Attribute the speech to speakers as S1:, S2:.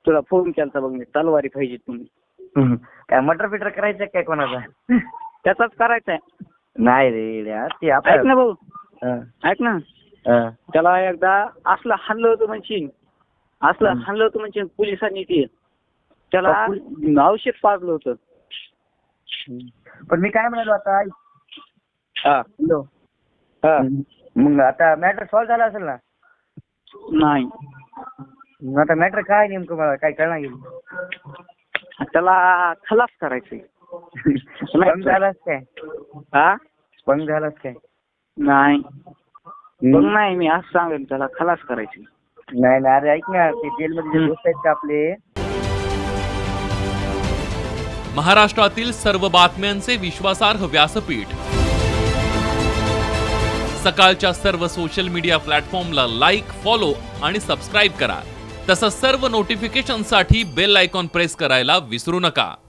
S1: तुला फोन केलता बघ मी, तलवारी पाहिजे तुम्ही.
S2: काय मटर फिटर करायचं काय कोणाचा?
S1: त्याचाच करायचा आहे.
S2: नाही रे यार, ते
S1: ऐक ना भाऊ,
S2: हं,
S1: ऐक ना,
S2: हं.
S1: त्याला एकदा असलं हाणलं होतं म्हणशील, असलं हाणलं होतं म्हणशील पोलिसांनी ते, त्याला औषध पाजलं होतं.
S2: पण मी काय म्हणालो आता,
S1: हा
S2: हॅलो,
S1: हा
S2: मग आता मॅटर सॉल्व्ह झाला असेल ना?
S1: नाही,
S2: मग आता मॅटर काय नेमकं मला काय कळणार गेलं?
S1: त्याला खलास करायचंय.
S2: स्पंग झालाच काय?
S1: हा
S2: स्पंग झालाच काय?
S1: नाही बघ, नाही मी असं सांगेन त्याला खलास करायची.
S2: नाही ना, अरे ऐक ना, ते जेलमध्ये जे दोस्त आहेत का आपले,
S3: महाराष्ट्रातील सर्व बातम्यांचे विश्वासार्ह व्यासपीठ, सकाळच्या सर्व सोशल मीडिया प्लॅटफॉर्मला लाईक, फॉलो आणि सबस्क्राईब करा. तसंच सर्व नोटिफिकेशनसाठी बेल आयकॉन प्रेस करायला विसरू नका.